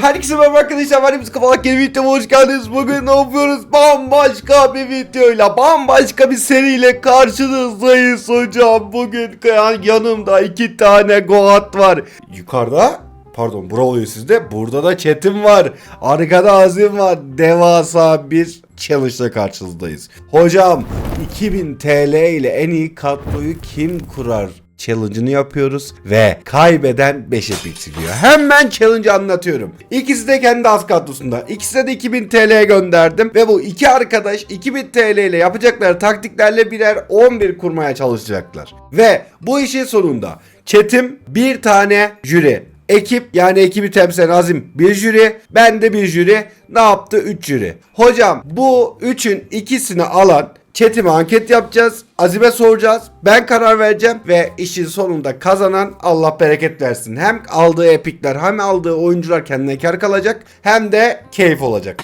Herkese merhaba arkadaşlar, ben Hepsi Kafalar yeni videoma hoş geldiniz. Bugün ne yapıyoruz? Bambaşka bir videoyla, bambaşka bir seriyle karşınızdayız hocam. Bugün yanımda 2 tane Goat var. Yukarıda, pardon bura oluyor sizde. Burada da Çetin var. Arkada Azim var. Devasa bir challenge ile karşınızdayız. Hocam 2000 TL ile en iyi kadroyu kim kurar challenge'ını yapıyoruz ve kaybeden 5 epik çıkıyor. Hemen challenge'ı anlatıyorum. İkisi de kendi az kadrosunda. İkisine de 2000 TL gönderdim ve bu iki arkadaş 2000 TL ile yapacakları taktiklerle birer 11 kurmaya çalışacaklar. Ve bu işin sonunda Çetim bir tane jüri, ekip yani ekibi temsil eden Azim bir jüri, ben de bir jüri, ne yaptı? 3 jüri. Hocam bu üçün ikisini alan Çetim'e anket yapacağız. Azim'e soracağız. Ben karar vereceğim ve işin sonunda kazanan Allah bereket versin. Hem aldığı epikler hem aldığı oyuncular kendine kar kalacak hem de keyif olacak.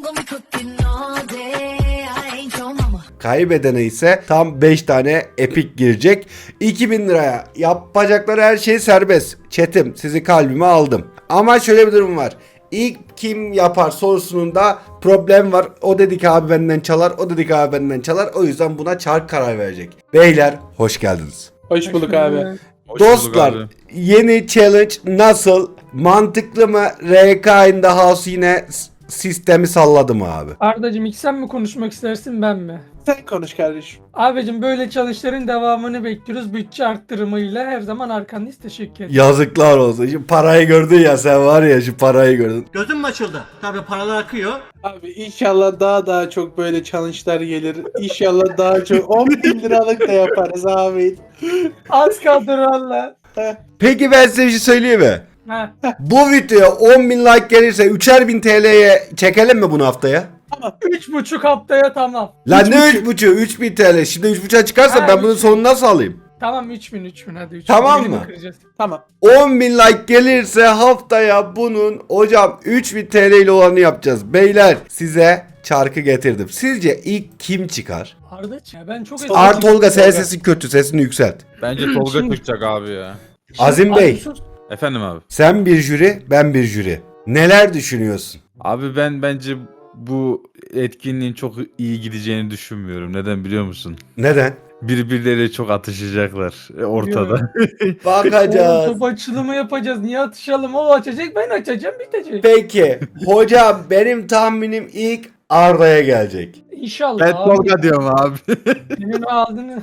Kaybedene ise tam 5 tane epik girecek. 2000 liraya yapacakları her şey serbest. Çetim, sizi kalbime aldım. Ama şöyle bir durum var. İlk kim yapar sorusunun da problem var. O dedik abi benden çalar, o dedik abi benden çalar. O yüzden buna Çark karar verecek. Beyler hoş geldiniz. Hoş bulduk abi. Dostlar yeni challenge nasıl? Mantıklı mı? RK in the house yine sistemi salladı mı abi? Ardacığım ilk sen mi konuşmak istersin ben mi? Sen konuş kardeşim. Abicim böyle çalışların devamını bekliyoruz. Bütçe arttırımıyla her zaman arkandayız. Teşekkür ederim. Yazıklar olsun. Şu parayı gördün ya, sen var ya, şu parayı gördün. Gözüm mü açıldı? Tabii paralar akıyor. Abi inşallah daha çok böyle challenge'lar gelir. İnşallah daha çok 10.000 liralık da yaparız abi. Az kaldı valla. Peki ben size bir şey söyleyeyim mi? Ha. Bu videoya 10.000 like gelirse 3'er bin TL'ye çekelim mi bunu haftaya? 3,5 haftaya tamam. Lan ne 3.5'u? 3.000 TL. Şimdi 3.5'a çıkarsa Ha, ben bunun 3.000. sonunu nasıl alayım? Tamam 3.000 hadi 3.000. Tamam Birini mı? kıracağız. Tamam. 10.000 like gelirse haftaya bunun hocam 3.000 TL ile olanı yapacağız. Beyler size çarkı getirdim. Sizce ilk kim çıkar? Ardaç ya ben çok Tolga sen sesin kötü, sesini yükselt. Bence Tolga Şimdi- çıkacak abi ya. Azim Bey, sus. Efendim abi. sen bir jüri, ben bir jüri. Neler düşünüyorsun? Abi ben bence bu etkinliğin çok iyi gideceğini düşünmüyorum. Neden biliyor musun? Neden? Birbirleriyle çok atışacaklar ortada. Bakacağız. Top açılımı yapacağız. Niye atışalım? O açacak ben açacağım bitecek. Peki hocam benim tahminim ilk Arda'ya gelecek. İnşallah Ben abi. Tolga diyorum abi. Senin aldın.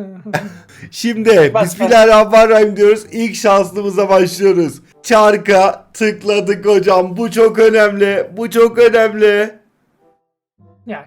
Şimdi Bas, Bismillahirrahmanirrahim diyoruz. İlk şanslımıza başlıyoruz. Çarka tıkladık hocam. Bu çok önemli. Bu çok önemli. Ya.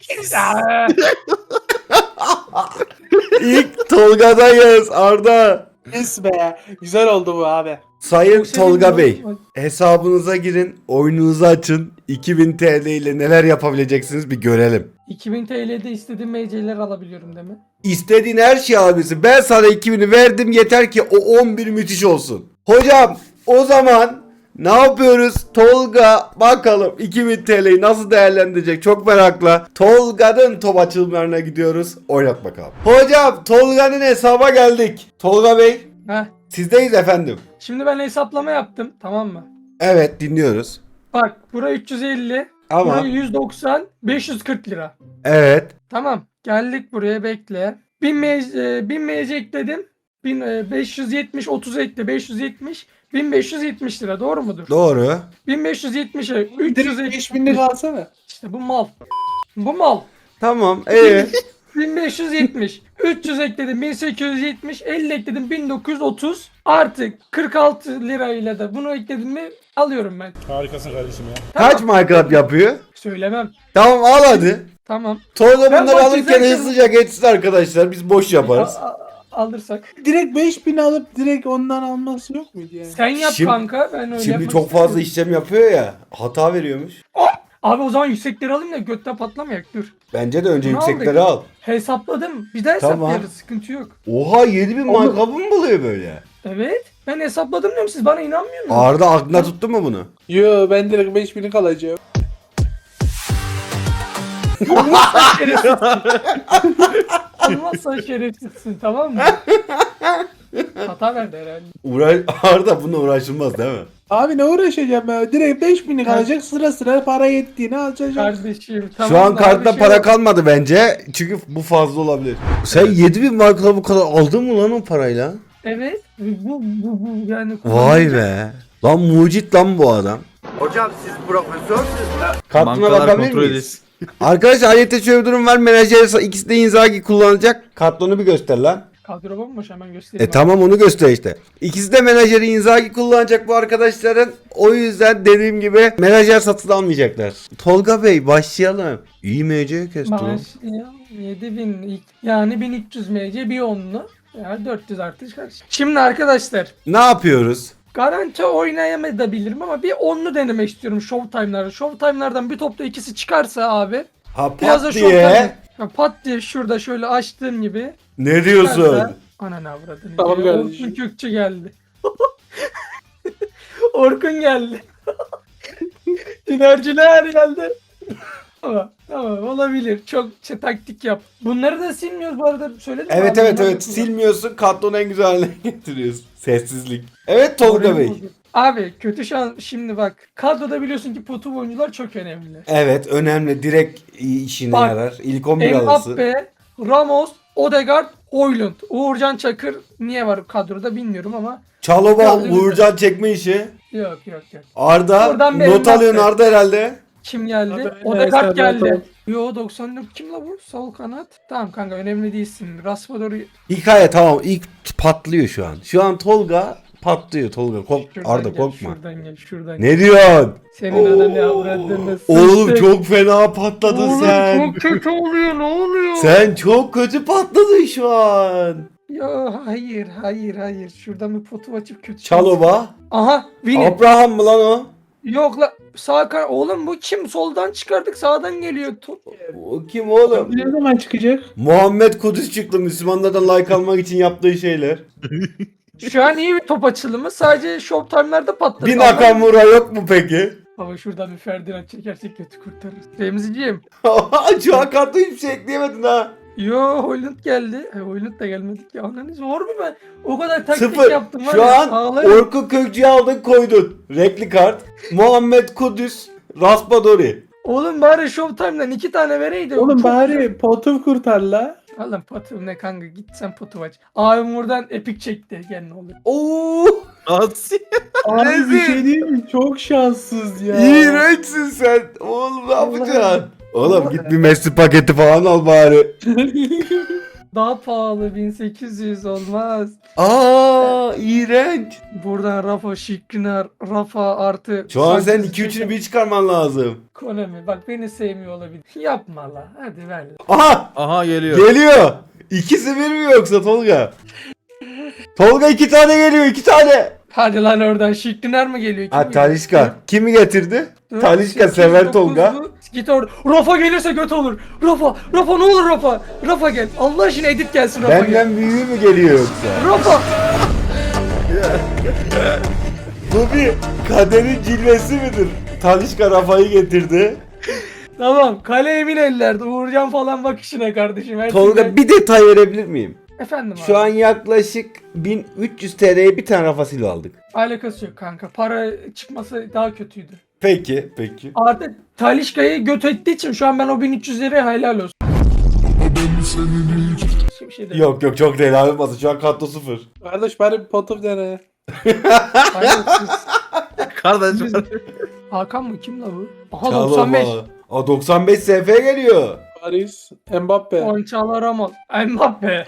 İlk Tolga'dayız Arda. Yes be. Güzel oldu bu abi. Sayın Bu senin Tolga bu- Bey, hesabınıza girin, oyununuzu açın. 2000 TL ile neler yapabileceksiniz bir görelim. 2000 TL'de istediğim MC'ler alabiliyorum değil mi? İstediğin her şey abisi. Ben sana 2000'i verdim, yeter ki o 11 müthiş olsun. Hocam o zaman ne yapıyoruz? Tolga bakalım 2000 TL'yi nasıl değerlendirecek, çok merakla. Tolga'nın top açılımlarına gidiyoruz. Oynat bakalım. Hocam Tolga'nın hesaba geldik. Tolga Bey Heh. sizdeyiz efendim. Şimdi ben hesaplama yaptım tamam mı? Evet dinliyoruz. Bak buraya 350, Ama buraya 190, 540 lira. evet. Tamam geldik buraya bekle. 1000 MC ekledim. 570 30 ekle 570 1570 lira doğru mudur? Doğru. 1570'e Direkt 300 5000 lira alsana. işte bu mal. Bu mal. Tamam. 1570 300 ekledim 1870 50 ekledim 1930 artık 46 lirayla da bunu ekledim mi alıyorum ben. Harikasın kardeşim ya. Kaç markup yapıyor? Söylemem. Tamam al hadi. Tamam. Tolga Ben bunları boş alırken izlerken- hızlıca geçsin arkadaşlar. Biz boş yaparız. Alırsak. Direkt 5000 alıp direkt ondan alması yok muydu yani? Sen yap Şimdi- kanka ben öyle Şimdi yapmak çok fazla istemiyorum. işlem yapıyor ya. Hata veriyormuş. Abi o zaman yüksekleri alayım da götten patlamayak dur. Bence de önce Ne yüksekleri aldık? al. Hesapladım. Bir daha Tamam. hesaplayarız. Sıkıntı yok. Oha 7000 Oğlum- markabı mı buluyor böyle? Evet. Ben hesapladım diyorum siz bana inanmıyor musunuz? Arda aklına tuttu mu bunu? Yo ben direkt 5000'lik alacağım. Olmazsa şerefsizsin. Olmazsa şerefsizsin tamam mı? Hata verdi herhalde. Arda bununla uğraşılmaz değil mi? Abi ne uğraşacağım ya? Direkt 5000'lik alacak, sıra sıra para yettiğini alacak. Kardeşim tamam. Şu an da kartta abi şey para yok. kalmadı bence. Çünkü bu fazla olabilir. Sen 7000 markla bu kadar aldın mı lan o parayla? Evet. Bu yani. Vay be. Lan mucit lan bu adam. Hocam siz profesörsünüz. Kartına Bankalar bakabilir kontrol miyiz? edilsin. Arkadaşlar ayrıca şöyle bir durum var. Menajer ikisi de Inzaghi kullanacak. Kartonu bir göster lan. Kadro bomboş hemen göstereyim. Tamam onu göster işte. İkisi de menajeri Inzaghi kullanacak bu arkadaşların. O yüzden dediğim gibi menajer satın almayacaklar. Tolga Bey başlayalım. İyi MC kesti lan. Başlayalım. 7000 yani 1300 MC bir onlu. Yani 400 artış karşı. Şimdi arkadaşlar Ne yapıyoruz? garanti oynayamayabilirim ama bir onlu denemek istiyorum Showtime'larda. Showtime'lardan bir topta ikisi çıkarsa abi. Ha Biraz da pat Showtime. diye. Ya pat diye şurada şöyle açtığım gibi. Ne diyorsun? çıkarsa- Ananı avradını. Tamam diyor. kardeşim. Orkun Kökçü geldi. Orkun geldi. Dinerciler geldi. Tamam olabilir. Çok taktik yap. Bunları da silmiyoruz bu arada söyledim mi Evet abi? evet Bunları evet da silmiyorsun kartonu en güzel haline getiriyorsun. Sessizlik. Evet Tolga Orayı Bey. buldum. Abi kötü şans şimdi bak. Kadroda biliyorsun ki potu oyuncular çok önemli. Evet önemli direkt işine Bak, yarar. İlk 11 alırsın. Mbappe, Ramos, Odegaard, Højlund. Uğurcan Çakır niye var kadroda bilmiyorum ama Çalova Gördüğünüz Uğurcan çekme işi. yok. Arda Oradan bir not Mbappe. alıyorsun Arda herhalde. Kim geldi? Abi, Odegaard evet, geldi. evet. Yo 94 kim la bu? Sol kanat. Tamam kanka önemli değilsin. Raspador'u Hikaye tamam ilk patlıyor şu an. Şu an Tolga patlıyor Tolga. Arda korkma. Şuradan gel. Ne diyorsun? Senin ananı avradını Oğlum sıçtık. çok fena patladın Oğlum sen. çok kötü oluyor ne oluyor? Sen çok kötü patladın şu an. Ya hayır. Şuradan bir potu açıp kötü. Çalova. Aha Vini. Abraham mı lan o? Yok la sağ oğlum bu kim? Soldan çıkardık sağdan geliyor. O kim oğlum? Ne zaman çıkacak? Muhammed Kudüs çıktı Müslümanlardan like almak için yaptığı şeyler. Şu an iyi bir top açılımı. Sadece Showtime'larda patladı. Bir Nakamura yok mu peki? Baba şuradan bir Ferdinand çekersek kötü kurtarırız. Remziciğim. Şu an kartı hiçbir şey ekleyemedin ha. Yo Højlund geldi. Højlund da gelmedi ki. Ananı zor mu ben? O kadar taktik Sıfır. yaptım var Şu ya. an ağlarım. Orkun Kökçü'yü aldın koydun. Renkli kart. Muhammed Kudüs. Raspadori. Oğlum bari Showtime'dan 2 tane vereydi. Oğlum Çok- bari potu kurtar la. Oğlum potum ne kanka git sen potu aç. Abim buradan epik çekti. Gel ne olur. Oo, Nasıl? Abi bir Rezil. şey diyeyim mi? Çok şanssız ya. iğrençsin sen. Oğlum ne Allah'ım. yapacaksın? Oğlum git bir Messi paketi falan al bari. Daha pahalı 1800 olmaz. Aa, iğrenç. Buradan Rafa Şikrinar, Rafa artı. Şu an sen Sanchez 2-3'ünü bir çıkarman lazım. Konami bak beni sevmiyor olabilir. Yapma la hadi ver. Aha, Aha geliyor. geliyor. İkisi bir mi yoksa Tolga? Tolga 2 tane geliyor 2 tane. Hadi lan oradan Şikrinar mı geliyor? Kim Ha geliyor? Talişka. Kimi getirdi? Dört, Talişka sekiz, sever dokuz Tolga. bu. Git orada. Rafa gelirse göt olur. Rafa ne olur Rafa. Rafa gel. Allah aşkına edit gelsin Rafa gel. Benden büyüğü mü geliyor yoksa? Rafa. Bu bir kaderin cilvesi midir? Talişka Rafa'yı getirdi. Tamam kale emin ellerde. Uğurcan falan bak işine kardeşim. Her Tolga şeyden- bir detay verebilir miyim? Efendim abi. Şu an yaklaşık 1300 TL'ye bir tane Rafa Silva aldık. Alakası yok kanka. Para çıkması daha kötüydü. Peki. Artık Talişka'yı göt ettiği için şu an ben o 1300'leri helal olsun. Bir şey değil. Yok çok değil abi olmasın. Şu an katto 0. Kardeş bari bir potu dene. Hayırsız. Kardeşim. Hakan mı? Kim la bu? Aha 95. Aa 95 SF geliyor. Paris, Mbappe. Onçalar Ramos. Mbappe.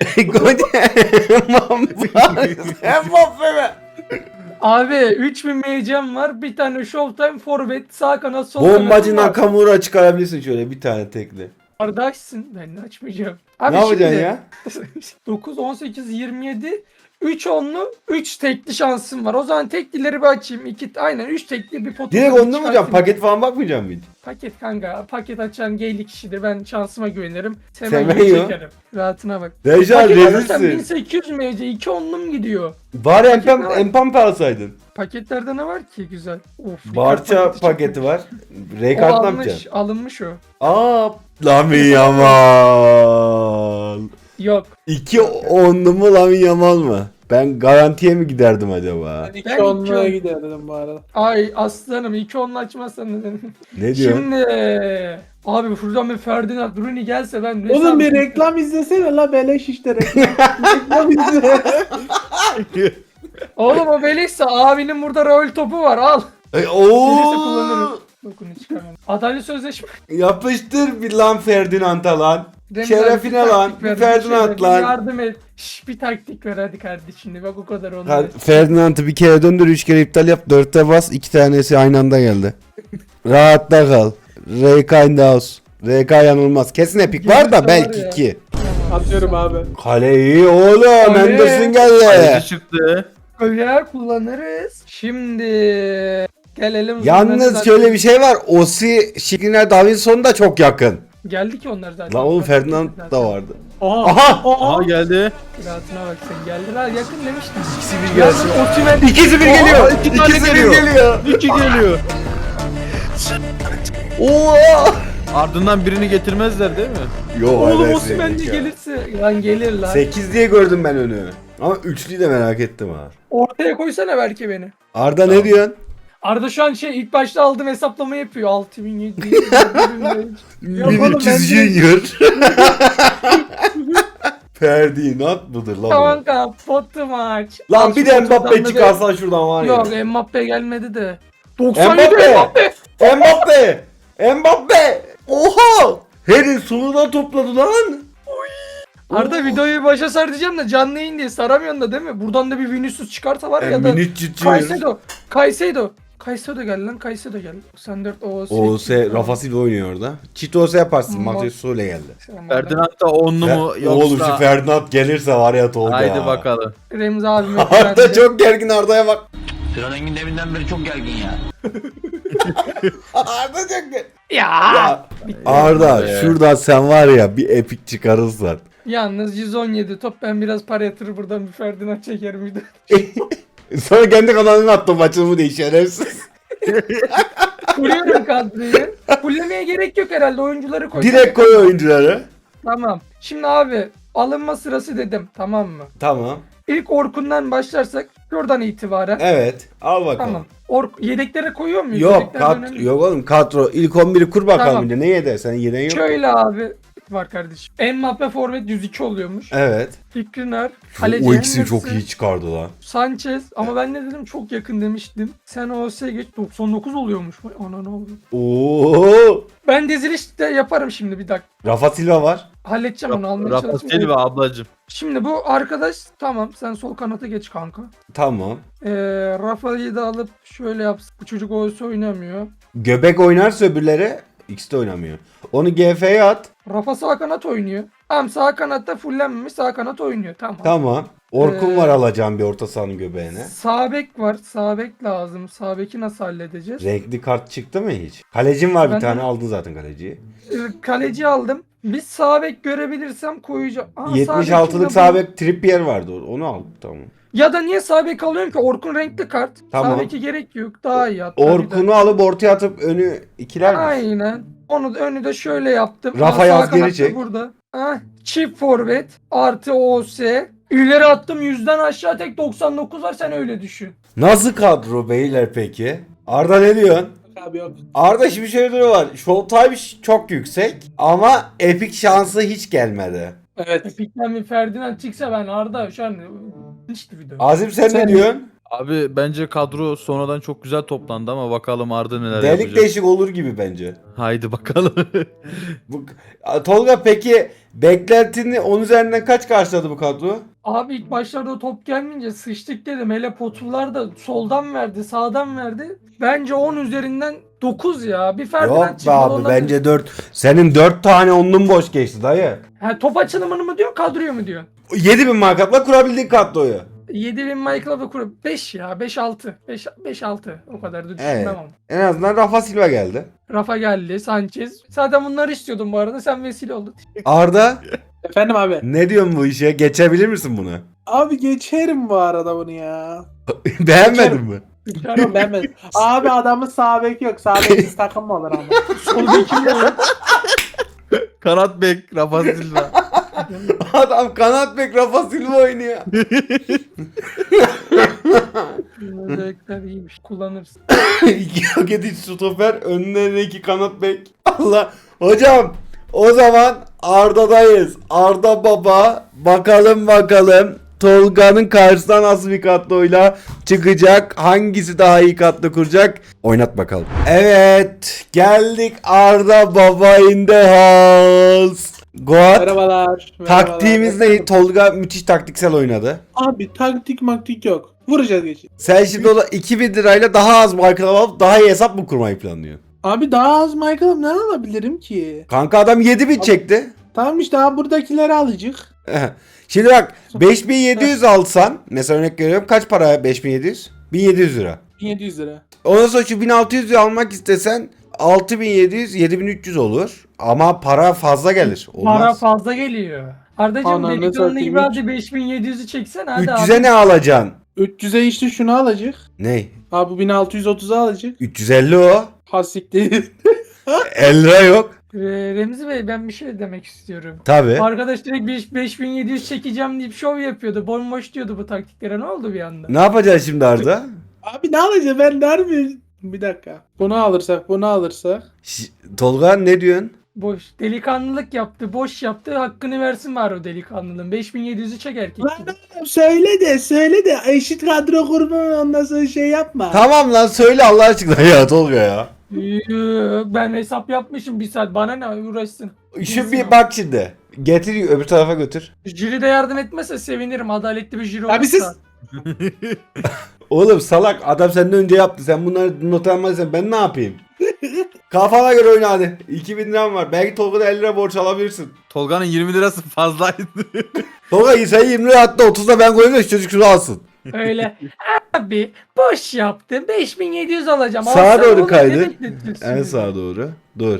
Mbappe mi? Abi 3000 MC'm var. Bir tane Showtime forvet. Sağ kanat sol kanat. Bombacı Nakamura çıkarabilirsin şöyle bir tane tekli. Kardeşsin. Ben açmayacağım. Abi Ne yapacaksın ya? 9, 18, 27. 3 onlu 3 tekli şansım var. O zaman teklileri bir açayım. Aynen 3 tekli bir potu. Direkt onunla mı hocam? Paket falan bakmayacağım mı hiç? Paket kanka. Paket açan geyli kişidir. Ben şansıma güvenirim. Semenyo. Çekerim. Rahatına bak. Dejan Paket alırsan rezilsin. 1800 MC 2 onlum gidiyor. Bari Paket ne var? Empampe alsaydın. Paketlerde ne var ki güzel? Of. Barça Ricard paketi var. O Rekart ne yapacaksın? alınmış o. Aa, Lamine Yamal. Yok. 2 onlu mu Lamine Yamal mı? Ben garantiye mi giderdim acaba? Ben Ben 2-10'luğa iki- giderdim bu arada. Ay aslanım 2-10'lu açmazsan ne dedim. Ne diyorsun? Şimdi abi şuradan bir Ferdinand Bruni gelse ben ne Oğlum bir sandım? reklam izlesene la beleş işte reklam. Reklam izle. Oğlum o beleşse abinin burada rol topu var al. Gelirse kullanırım. Dokunu çıkamam. Adalet sözleşme. Yapıştır bir lan Ferdinand'a lan. Remzi abi, Şerefine bir lan, taktik bir ver, Ferdinand şeyler, bir lan. yardım et. Şş, bir taktik ver hadi kardeşim. Bak o kadar olmaz. Ferdinand'ı bir kere döndür, 3 kere iptal yap, 4'te bas, 2 tanesi aynı anda geldi. Rahatta kal. RK in the house. RK yanılmaz. Kesin epik var Gelirse da var belki ya. 2. Atıyorum abi. Kale iyi oğlum. Kale. Anderson geldi. Kaleci çıktı. Öyle kullanırız. Şimdi gelelim. Yalnız şöyle bir şey var. Osi, Şikriner, Davinson da çok yakın. Geldi ki onlar zaten. Lan oğlum Ferdinand da vardı. Aha. Aha! Aha geldi. Rahatına bak sen geldiler yakın demiştim. İkisi bir Yalnız gelsin. Osimhen İkisi bir geliyor. iki tane İkisi bir geliyor. geliyor. 2 geliyor. Oha! Ardından birini getirmezler değil mi? Yo, Oğlum evet, Osimhen de seninki. gelirse lan gelir lan. 8 diye gördüm ben önü. Ama üçlüyü de merak ettim ha. Ortaya koysana belki beni. Arda ne diyorsun? Arda şu an ilk başta aldığım hesaplama yapıyor. 6700. 1300 Junior. Ferdinand mıdır lan bu? Tamam kapattı maç. Lan Al bir şu de Mbappe fotoğrafını da- çıkarsan şuradan var ya. Yok Mbappe gelmedi de. 97 Mbappe! Mbappe. Mbappe! Mbappe! Oha! Harry sonunda topladı lan. Arda videoyu başa sar diyeceğim de canlı yayın diye saramıyorsun da değil mi? Buradan da bir Vinicius çıkarsa var ya da Caicedo gel lan Caicedo gel. 94 OS Rafa Silva oynuyor orada. Çitose yaparsın. Matheus Sule geldi. Ferdinand da 10'lu mu Oğlum şu yoksa? Ferdinand gelirse var ya Tolga. Haydi bakalım. Remzi abime Arda çok gergin, Arda'ya bak. Sinan Engin deminden beri çok gergin ya. Arda çok gergin. Ya. Ya, Arda şuradan sen var ya bir epik çıkarırsan. Yalnız 117 top ben biraz para yatırır buradan bir Ferdinand çeker miydi? Sonra kendi kanalına attım maçımı diye şerefsiz. Kuruyorum kadroyu. Fullemeye gerek yok herhalde oyuncuları koy. Direkt koy oyuncuları. Tamam. Şimdi abi alınma sırası dedim tamam mı? Tamam. İlk Orkun'dan başlarsak şuradan itibaren. Evet. Al bakalım. Tamam. Yedeklere koyuyor muyuz? Yok Yedekler önemli. yok oğlum kadro. İlk 11'i kur bakalım Tamam. bir de. Ne yedin? Sen yeden yok. Şöyle abi var kardeşim. Mbappe forvet 102 oluyormuş. Evet. Skriniar, O ikisi çok Enes'i, iyi çıkardı lan. Sanchez ama ben ne dedim çok yakın demiştim. Sen OS'ye geç 99 oluyormuş. Vay ana ne oldu? Oo! Ben diziliş de yaparım şimdi bir dakika. Rafa Silva var. Halledeceğim onu almaya Rafa çalışayım. Silva ablacım. Şimdi bu arkadaş tamam sen sol kanata geç kanka. Tamam. Rafa'yı da alıp şöyle yapsın. Bu çocuk OS oynamıyor. Göbek oynarsa öbürleri ikisi de oynamıyor. Onu GF'ye at. Rafa sağ kanat oynuyor. Tamam sağ kanatta fullenmemiş sağ kanat oynuyor. Tamam. Tamam. Orkun Ee, var alacağım bir orta sahanın göbeğine. Sağ bek var. Sağ bek lazım. Sağ beki nasıl halledeceğiz? Renkli kart çıktı mı hiç? Kalecim var bir Ben- tane, aldın zaten kaleciyi. Kaleci aldım. Bir sağ bek görebilirsem koyacağım. Aa, sağ bek 76'lık kimde sağ bu? bek Trippier vardı. Onu al. Tamam. Ya da niye sağ bek alıyorum ki? Orkun renkli kart. Tamam. Sağ beki gerek yok. Daha iyi hatta. bir de. Orkun'u alıp ortaya atıp önü ikiler mi? Aynen. Onu da önü de şöyle yaptım. Rafa Aa, yaz, sağ geri kanat da çek. Burada. Çift forvet artı OS. İleri attım 100'den aşağı tek 99 var sen öyle düşün. Nasıl kadro beyler peki? Arda ne diyorsun? Abi yok. Arda şimdi şöyle durum var. Showtime çok yüksek ama epik şansı hiç gelmedi. Evet. Epik'ten bir Ferdinand çıksa ben Arda şu an hiçti video. Azim sen ne Sen- diyorsun? Abi bence kadro sonradan çok güzel toplandı ama bakalım Arda neler Delik yapacak. değişik olur gibi bence. Haydi bakalım. Bu, Tolga peki beklentini 10 üzerinden kaç karşıladı bu kadro? Abi ilk başlarda o top gelmeyince sıçtık dedim. Hele Potular da soldan verdi, sağdan verdi. Bence 10 üzerinden 9 ya. Bir Ferdinand Yok be çıkmadı, abi ondan- bence 4. Senin 4 tane onlun boş geçti dayı. Ha, top açılımını mı diyorsun, kadroyu mu diyorsun? 7000 markatla kurabildiğin kadroyu. 7000 Michael'a ve kuru 5 ya, 5-6. 5-6 o kadar da düşünmem Evet. ama. En azından Rafa Silva geldi. Rafa geldi, Sanchez. Zaten bunları istiyordum bu arada. Sen vesile oldun. Arda Efendim abi. ne diyorsun bu işe? Geçebilir misin bunu? Abi geçerim bu arada bunu ya. Beğenmedin mi? Yok beğenmedim. Abi adamın sağ bek yok. Sağ beksiz takım mı olur ama? Sol bekim de yok. Kanat bek Rafa Silva. Adam kanat bek Rafa Silva oynuyor. Özellikler iyiymiş. Kullanırsın. İki hak edici stoper, önlerine 2 kanat bek. Allah. Hocam o zaman Arda'dayız. Arda baba. Bakalım. Tolga'nın karşısına nasıl bir kadroyla çıkacak? Hangisi daha iyi kadro kuracak? Oynat bakalım. Evet. Geldik Arda baba in the house. Goat. Merhabalar. Taktiğimiz ne? Tolga müthiş taktiksel oynadı. Abi taktik maktik yok. Vuracağız geçeceğiz. Sen şimdi o da 2000 lirayla daha az marka alıp daha iyi hesap mı kurmayı planlıyorsun? Abi daha az Michael'ım ne alabilirim ki? Kanka adam 7000 çekti. Tamam işte daha buradakileri alacak. Şimdi bak 5700 alsan mesela örnek veriyorum kaç para 5700? 1700 lira. 1700 lira. Ondan sonra şu 1600'ü almak istesen 6700 7300 olur ama para fazla gelir. Para Olmaz. fazla geliyor. Ardacığım Ananı delikanlı satayım. gibi hadi 5700'ü çeksen hadi 300'e ne alacaksın? 300'e işte şunu alacak. Ne? Abi bu 1630'a alacak. 350 o. Hasiktir. 50 lira yok. Remzi Bey ben bir şey demek istiyorum. Tabi. Arkadaş direkt 5700 çekeceğim deyip şov yapıyordu. Bomboş diyordu bu taktiklere. Ne oldu bir anda? Ne yapacaksın şimdi Arda? Abi ne alacak ben der mi? Bir dakika. Bunu alırsak. Tolga ne diyorsun? Boş. Delikanlılık yaptı. Boş yaptı. Hakkını versin var o delikanlılığın. 5700'ü çek erkek Lan gibi. oğlum söyle de eşit kadro kurma ondan sonra şey yapma. Tamam lan söyle Allah aşkına ya Tolga ya. Ben hesap yapmışım bir saat. Bana ne uğraşsın. Şu bir bak şimdi. Getir öbür tarafa götür. Jüri de yardım etmezse sevinirim. Adaletli bir jüri Abi olursa. siz Oğlum salak adam senden önce yaptı. Sen bunları not almadıysan ben ne yapayım? Kafana göre oyna hadi. 2000 liram var. Belki Tolga'da 50 lira borç alabilirsin. Tolga'nın 20 lirası fazlaydı. Tolga sen 20 lira attı 30'da ben koyayım da şu çocuk şunu alsın. Öyle. Abi boş yaptım. 5700 alacağım. Sağa Alsana doğru oğlum, kaydır. ne bekletiyorsun En ya? sağa doğru. Dur.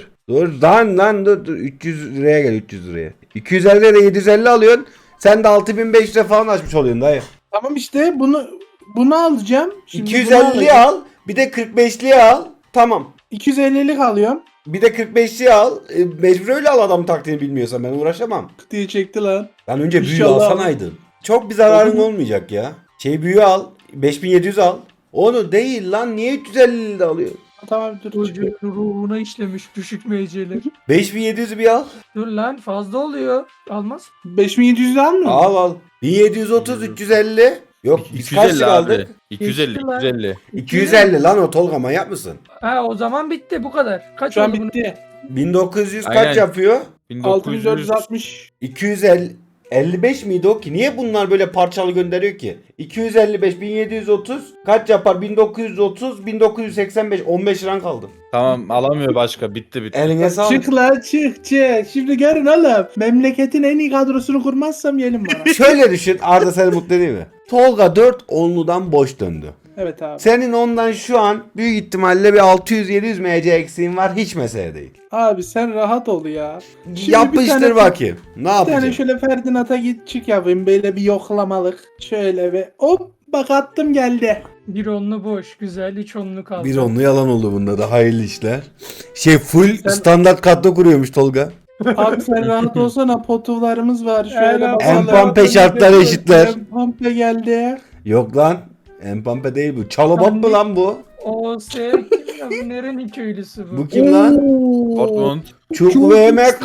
Lan dur. 300 liraya gel 300 liraya. 250 liraya 750 alıyorsun. Sen de 6500 lira falan açmış oluyorsun dayı. tamam işte bunu alacağım. Şimdi bunu 250'li alacağım. al. Bir de 45'liyi al. Tamam. 250'lik alıyorum. Bir de 45'liyi al. Mecbur öyle al adam taktiğini bilmiyorsan ben uğraşamam. Diye çekti lan. Lan önce büyüğü İnşallah. alsanaydın. Çok bir zararın Olur mu? olmayacak ya. Büyüğü al. 5700 al. Onu değil lan niye 350 de alıyor? Tamam dur. Çocuğun ruhuna işlemiş düşük meyceler. 5700'ü bir al. Dur lan fazla oluyor. Almaz. 5700 al mı? Al. 1730 350. Yok biz kaç 250 lira abi. aldık? 250 Geçti lan. 250. 250 lan o Tolga manyak mısın? Ha o zaman bitti bu kadar. Kaç Şu an oldu bunun? bitti. 1900 kaç Aynen. yapıyor? 1900 6460. 250 55 miydi o ki? Niye bunlar böyle parçalı gönderiyor ki? 255 1730 kaç yapar? 1930 1985 15 liran kaldı. Tamam alamıyor başka bitti. Eline sağlık. Çık lan çık. Şimdi görün oğlum. Memleketin en iyi kadrosunu kurmazsam gelin bana. Şöyle düşün Arda seni mutlu değil mi? Tolga 4 onludan boş döndü. Evet abi. Senin ondan şu an büyük ihtimalle bir 600-700 MC eksiğin var hiç mesele değil. Abi sen rahat ol ya. Şimdi Yapıştır bir tane- bakayım. Ne Bir tane yapacaksın? şöyle Ferdinand'a git çık yapayım. Böyle bir yoklamalık. Şöyle ve hop bak attım geldi. Bir onlu boş. Güzel. Hiç onlu kaldı. Bir onlu yalan oldu bunda da hayırlı işler. Full Sen- standart kadro kuruyormuş Tolga. Abi sen rahat olsana potuvlarımız var. Şöyle Helal. bakalım. Empampe şartları eşitler. Empampe geldi. Yok lan. Empampe değil bu. Çalobap mı lan bu? O kim ya? Bu nerenin köylüsü bu? Bu kim lan? Dortmund. Çuk VMK.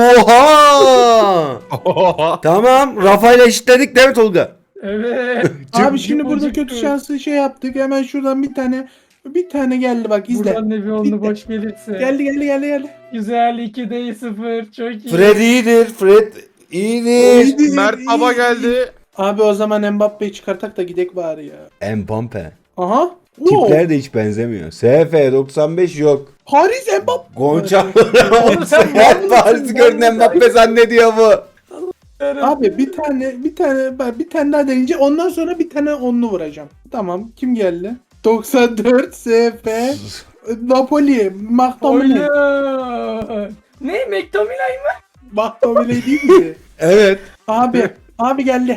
Oha! Tamam. Rafa ile eşitledik değil mi Tolga? Evet. Abi şimdi burada Çocuk kötü bu. şanslı şey yaptık. Hemen şuradan bir tane geldi bak izle. Buradan da bir onlu Bitti. boş gelirse. Geldi. Güzel 2'de 0. Çok iyi. Fred iyidir. Fred iyidir. İyi. Mert Baba geldi. Abi o zaman Mbappe'yi çıkartak da gidek bari ya. Empampe. Aha. Tipler de hiç benzemiyor. SF 95 yok. Haris Mbappe. Gonça Oğlum sen mal Her mısın? Paris'i gördün Mbappe zannediyor bu. Abi bir tane daha deneyince ondan sonra bir tane onlu vuracağım. Tamam kim geldi? 94 SF Napoli McTominay. Oyun. Ne? McTominay mı? McTominay değil mi? Evet. Abi geldi.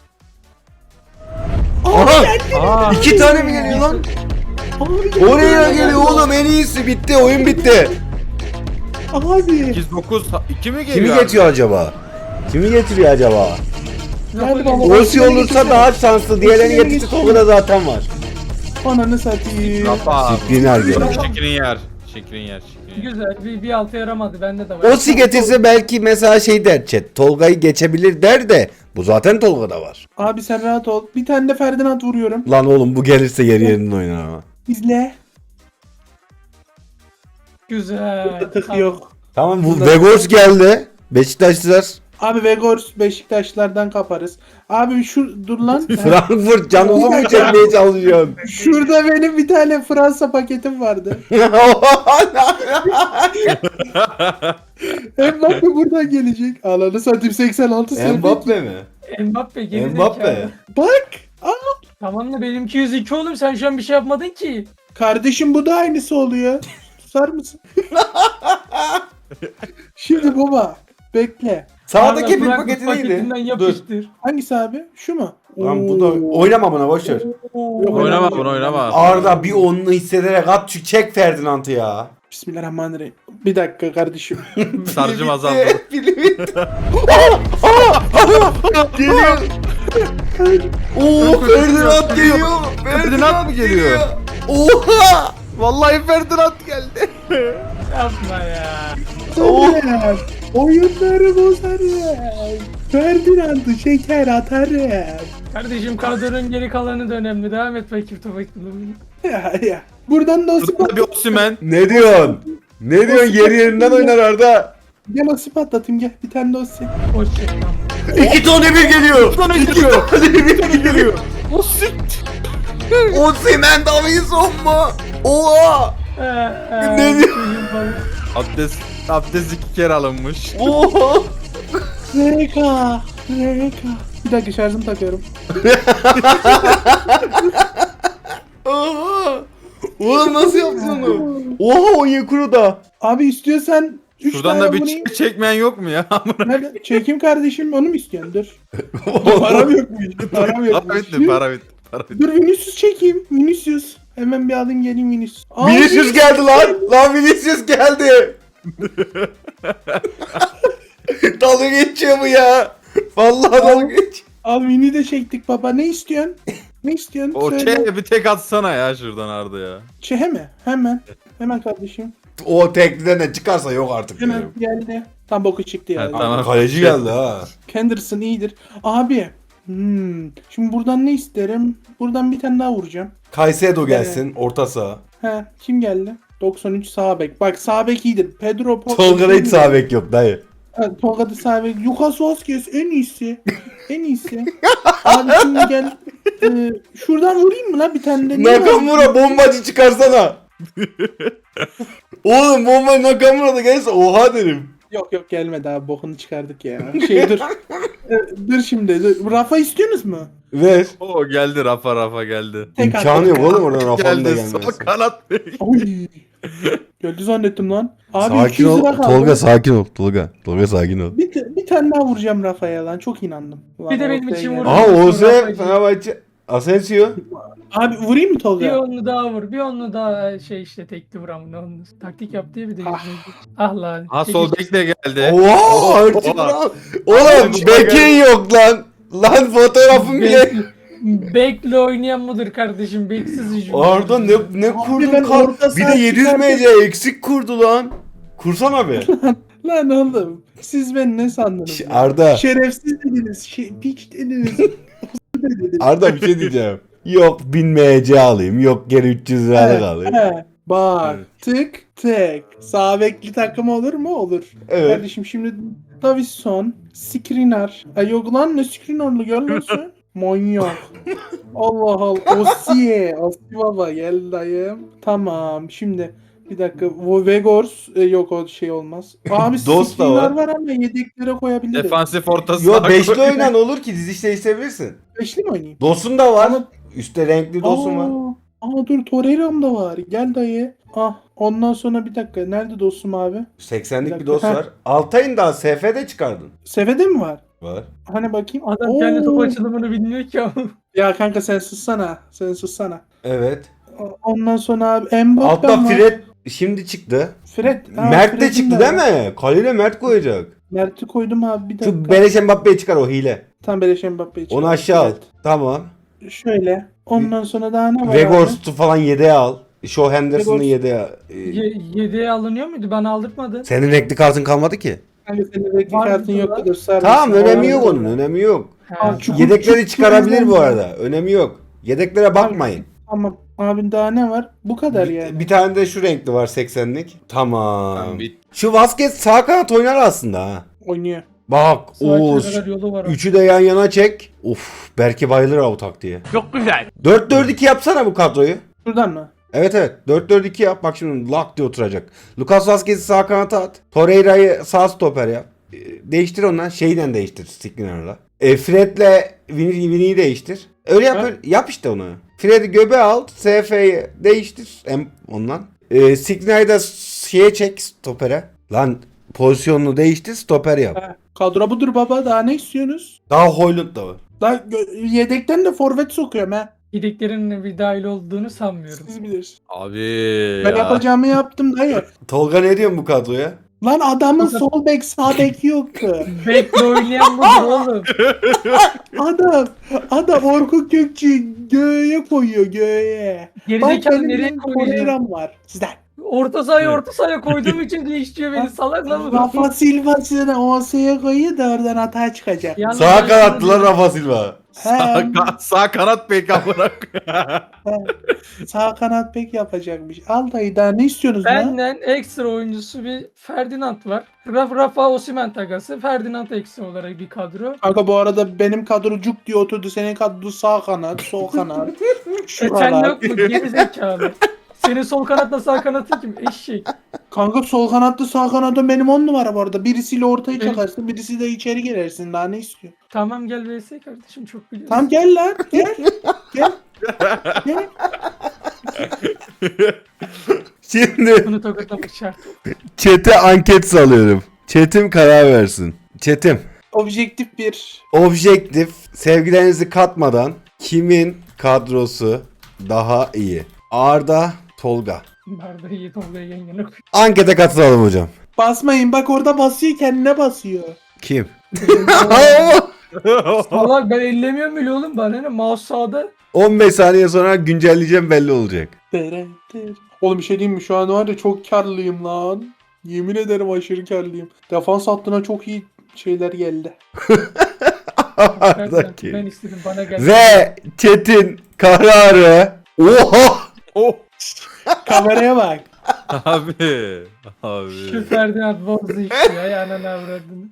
Aha! İki tane mi geliyor lan? Abi geldi. Oraya geliyor oğlum en iyisi bitti oyun bitti. Abi. 8 9 2 mi Kimi geliyor? geçiyor acaba? Kimi getiriyor acaba? Hadi baba. Osi olursa daha şanslı. Diğerlerini Osimhen'i getirse getir. Tolga'da zaten var. Ananı satayım. Rafa. Sikrin geliyor. Şekrin yer. Şekrin yer. Güzel. Bir altı yaramadı. Bende de var. Osi getirse belki mesela şey der chat. Tolga'yı geçebilir der de. Bu zaten Tolga'da var. Abi sen rahat ol. Bir tane de Ferdinand vuruyorum. Lan oğlum bu gelirse yerinden oynar ama. İzle. Güzel. Tık yok. Tamam bu Vegors geldi. Beşiktaşlılar. Abi Vegors Beşiktaşlardan kaparız. Abi şu dur lan. Frankfurt canımı mı çekmeye çalışıyorsun? Şurada benim bir tane Fransa paketim vardı. Mbappe buradan gelecek. Alanı satayım 86 sene. Mbappe mi? Mbappe geri Mbappe. zekalı. Bak. Tamam da benimki 102 oğlum. Sen şu an bir şey yapmadın ki. Kardeşim bu da aynısı oluyor. Susar mısın? Şimdi baba bekle. Sağdaki bir Frankfurt paketi neydi? paketinden Dur. yapıştır. Hangisi abi? Şu mu? Lan bu da oynama buna boşver. Oynama bunu oynama. Arda bir onlu hissederek at şu çek Ferdinand'ı ya. Bismillahirrahmanirrahim. Bir dakika kardeşim. Sarcım azaldı. Pili bitti. Geliyor. Oo Ferdinand geliyor. Ferdinand mı geliyor? Oha. Vallahi Ferdinand geldi. Yapma ya. Tabii. Oyunları bozarım. Ferdinand'ı şeker atarım. Kardeşim kadronun geri kalanı da önemli. Devam et bakayım topaklarını. Ya. Buradan da o Burada bir Osimhen. Ne diyorsun? Ne diyorsun? Yeri yerinden oynar Arda. Gel o spot atayım gel. Bir tane de o spot. Hoşçakal. 2 tane bir geliyor. 2 tane bir geliyor. Osimhen Davinson mu? Oha. Ne diyor? Abdest 2 kere alınmış. Oha. RK. Bir dakika şarjımı takıyorum. Oha. Oğlum nasıl yaptın onu? Oha Onyekuru da. Abi istiyorsan 3 Şuradan da bir çekmeyen yok mu ya? Nerede? Çekeyim kardeşim onu mu istiyorsun? Dur. Param yokmuş. Param Para yokmuş. bitti, para bitti. Para bitti. Dur Vinicius çekeyim. Vinicius. Hemen bir alayım geleyim Vinicius. Aa, Vinicius geldi lan. Lan Vinicius geldi. Dalga geçiyor bu ya. Vallahi dalga geç. Al Vini de çektik baba. Ne istiyorsun? Ne istiyorsun? O Söyle. bir tek atsana ya şuradan Arda ya. Çehe mi? Hemen. Hemen kardeşim. O tekliden de çıkarsa yok artık. Hemen diyorum. geldi. Tam boku çıktı ya. Ha, tamam. Kaleci geldi ha. Henderson iyidir. Abi. Şimdi buradan ne isterim? Buradan bir tane daha vuracağım. Caicedo gelsin orta saha. He, kim geldi? 93 sağ bek. Bak sağ bek iyidir. Pedro Tolga'da hiç sağ bek yok dayı. Evet, Tolga'da sağ bek. Lucas Vazquez en iyisi. En iyisi. Abi şimdi gel. Şuradan vurayım mı lan bir tane de? Ne var? Nakamura bombacı çıkarsana. Oğlum bomba Nakamura da gelse oha derim. Yok gelmedi abi bokunu çıkardık ya. Şey dur. Dur şimdi. Dur. Rafa istiyorsunuz mu? Ver. O geldi Rafa geldi. Tek İmkanı attık yok ya. oğlum oradan Rafa'nın da Geldi sol gelmesi. kanat bey. Oy. Geldi zannettim lan. Abi Sakin 200 ol lira kaldı. Tolga sakin ol Tolga. Tolga sakin ol. Bir tane daha vuracağım Rafa'ya lan. Çok inandım. Ulan Bir de benim ortaya için geldi. vur. Aha Oğuz'e Rafa'cı. Fenerbahçe Asensio. Abi vurayım mı Bir Tolga? onlu daha vur. Bir onlu daha şey işte tekli vuram ne onlu. Taktik yaptı ya bir de. Ah lan. Ha sol bek de geldi. Oha artık Oha. lan. Oğlum bekin yok lan. Lan fotoğrafım bile. Bekle oynayan mıdır kardeşim? Beksiz hücum. Arda ne kurdun ben kar. orta Bir de saha 700 çıkardım. MC eksik kurdu lan. Kursana be. Lan oğlum. Siz beni ne sandınız? ya? Arda. Şerefsiz dediniz. Piç dediniz. dediniz. Arda bir şey diyeceğim. Yok 1000 MC alayım. Yok geri 300 liralık alayım. He. Bak tık tık. Sağ bekli takım olur mu? Olur. Evet. Kardeşim şimdi Davinson, Skriniar. Ay yok lan ne Skriniar'lı görmüyorsun? Manyak. Allah Allah. Osi baba gel dayım. Tamam şimdi bir dakika. Vegors yok o şey olmaz. Abi Dost da var. Skriniar var ama yedeklere koyabilirim. Defansif orta Yo saha. beşli oynan olur ki diziş değiştirebilirsin. Beşli mi oynayayım? Dosun da var. Ama- Üstte renkli dosun var. Aa dur Torreira'm da var. Gel dayı. Ah ondan sonra bir dakika. Nerede dostum abi? 80'lik bir Bir dos dakika. var. Altay'ın daha SF'de çıkardın. Sefede mi var? Var. Hani bakayım. Adam kendi top Oo. açılımını bilmiyor ki ama. Ya kanka sen sussana. Sen sussana. Evet. Ondan sonra abi Mbappe Altta var. Fred şimdi çıktı. Fred. Ha, Mert de Fred'in çıktı de değil var. mi? Kaleye Mert koyacak. Mert'i koydum abi bir dakika. Şu Beleş Mbappe'yi çıkar, o hile. Tam Beleş Mbappe'yi Onu aşağı al. Evet. Tamam. Şöyle. Ondan sonra daha ne var abi? Vegors'u falan yedeğe al. Shaw Henderson'ı Vegors- yedeğe al. Yedeğe alınıyor muydu? Bana aldırtmadı. Senin renkli kartın kalmadı ki. Kanka senin renkli Var kartın mı yok lan? kadar sarı. Tamam, önemi yok onun, önemi yok. Ha, Çukur- Yedekleri çukur- çıkarabilir bu çukur- arada. Önemi yok. Yedeklere bakmayın. Tamam. Abi daha ne var? Bu kadar yani. Bir tane de şu renkli var 80'lik. Tamam. Tamam, Şu Vazquez sağ kanat oynar aslında ha. Oynuyor. Bak Sağ o kenara yolu var. üçü de yan yana çek. Of, belki bayılır o taktiğe. Çok güzel. 4-4-2 yapsana bu kadroyu. Şuradan mı? Evet evet, 4-4-2 yap. Bak şimdi lak diye oturacak. Lucas Vazquez'i sağ kanata at. Torreira'yı sağ stoper yap. Değiştir ondan. Şeyden değiştir Skriniar'la. Fred'le Vini'yi değiştir. Öyle yap, Ha? yap işte onu. Fred'i göbe al. SF'yi değiştir. Ondan. Skriniar'ı da şeye çek, stopere. Lan pozisyonunu değiştir, stoper yap. Ha, kadro budur baba. Daha ne istiyorsunuz? Daha Højlund da var. Daha yedekten de forvet sokuyorum ha. Yedeklerin bir dahil olduğunu sanmıyorum. Siz bilirsiniz. Abi Ben ya. yapacağımı yaptım dayı. Tolga ne diyorsun bu kadroya? Lan adamın sol bek sağ bek yoktu. Bekle oynayan budur oğlum. Adam Orkun Kökçü'yü göğe koyuyor göğe. Bak Gerizekalı benim nereye bir koyuyor? Torreira'm var. Sizden. Orta sahaya koyduğum için değiştiriyor beni. Salak lan bu. Rafa Silva size de OS'ye koyuyor da oradan hata çıkacak. Yalnız Sağ ben kanatlı lan şunu- Rafa Silva. Sağ kanat bek amına. Sağ kanat bek yapacakmış. Al dayı daha ne istiyorsunuz lan? Benden ekstra oyuncusu bir Ferdinand var. Rafa Osimhen takası. Ferdinand ekstra olarak bir kadro. Kanka bu arada benim kadro cuk diye oturdu. Senin kadro sağ kanat, sol kanat. Sen Şuralar. yok mu? Gerizekalı. Senin sol kanatla sağ kanatın kim? Eşek. Kanka sol kanatlı sağ kanadı benim 10 numara bu arada. Birisiyle ortayı Evet. çakarsın, birisi de içeri girersin. Daha ne istiyor? Tamam gel VS kardeşim çok biliyorsun. Tamam gel lan. Gel. Gel. Gel. Şimdi Bunu tokatlamak şart. chat'e anket salıyorum. Chat'im karar versin. Chat'im Objektif bir. objektif, sevgilerinizi katmadan kimin kadrosu daha iyi? Arda, Tolga. Barda iyi Tolga'yı yan yana koy. Ankete katılalım hocam. Basmayın bak orada basıyor kendine basıyor. Kim? Salak ben ellemiyorum bile oğlum. Bana ne? Mouse sağda. 15 saniye sonra güncelleyeceğim, belli olacak. Oğlum bir şey diyeyim mi? Şu an var ya çok karlıyım lan. Yemin ederim aşırı karlıyım. Defans hattına çok iyi şeyler geldi. Arda Ben kim? istedim bana gel. Ve chat'in kararı. Oha! Kameraya bak. Abi. Şu Abi. Ferdinand bozdu işte ya. Ananı avradını.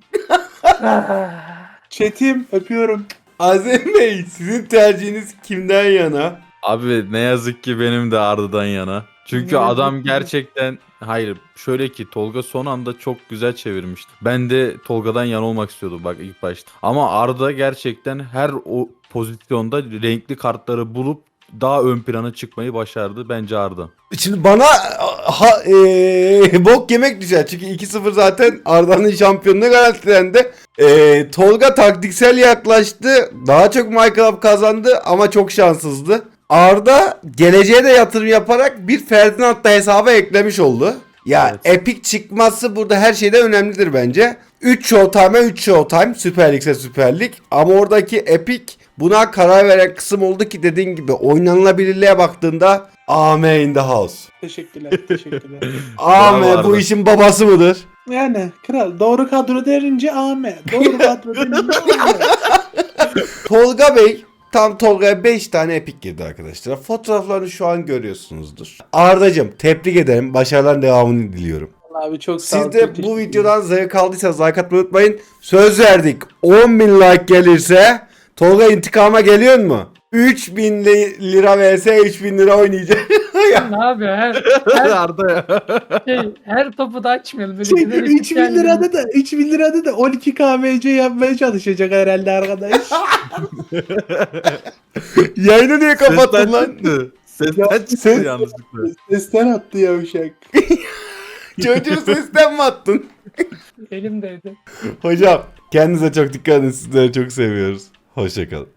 Çetim öpüyorum. Azem Bey, sizin tercihiniz kimden yana? Abi ne yazık ki benim de Arda'dan yana. Çünkü Ne adam yazık ki. gerçekten hayır şöyle ki Tolga son anda çok güzel çevirmişti. Ben de Tolga'dan yana olmak istiyordum bak ilk başta. Ama Arda gerçekten her o pozisyonda renkli kartları bulup daha ön plana çıkmayı başardı. Bence Arda. Şimdi bana bok yemek düşer. Çünkü 2-0 zaten Arda'nın şampiyonluğu garantilendi. Tolga taktiksel yaklaştı. Daha çok Minecraft kazandı ama çok şanssızdı. Arda geleceğe de yatırım yaparak bir Ferdinand da hesaba eklemiş oldu. Ya Evet. Epic çıkması burada her şeyde önemlidir bence. 3 Showtime'a 3 Showtime. Süper Lig'se Süper Lig. Ama oradaki Epic buna karar veren kısım oldu ki dediğin gibi oynanılabilirliğe baktığında Ame in the house. Teşekkürler. Teşekkürler. Ame Bravo bu Arda. işin babası mıdır? Yani kral doğru kadro derince Ahmet. Doğru kadro derince Ahmet. Tolga Bey, tam Tolga'ya 5 tane epik girdi arkadaşlar. Fotoğraflarını şu an görüyorsunuzdur. Ardacığım tebrik ederim. Başarıların devamını diliyorum. Abi çok sağ ol. Siz de çok bu teşekkür videodan zevk aldıysanız like atmayı unutmayın. Söz verdik. 10.000 like gelirse Tolga intikama geliyor mu? 3.000 lira vs 3.000 lira oynayacak. Ne abi her Arda ya. her topu da açmayalım. Böyle Şey, giderek 3000 kendini- lirada da 3000 lirada da 12 KMC yapmaya çalışacak herhalde arkadaş. Yayını niye kapattın lan? çıktı. Sesten çıktı sen- yanlışlıkla. Sesten attı yavşak. Çocuğu sesten mi attın? Elimdeydi. Hocam kendinize çok dikkat edin. Sizleri çok seviyoruz. Hoşçakalın.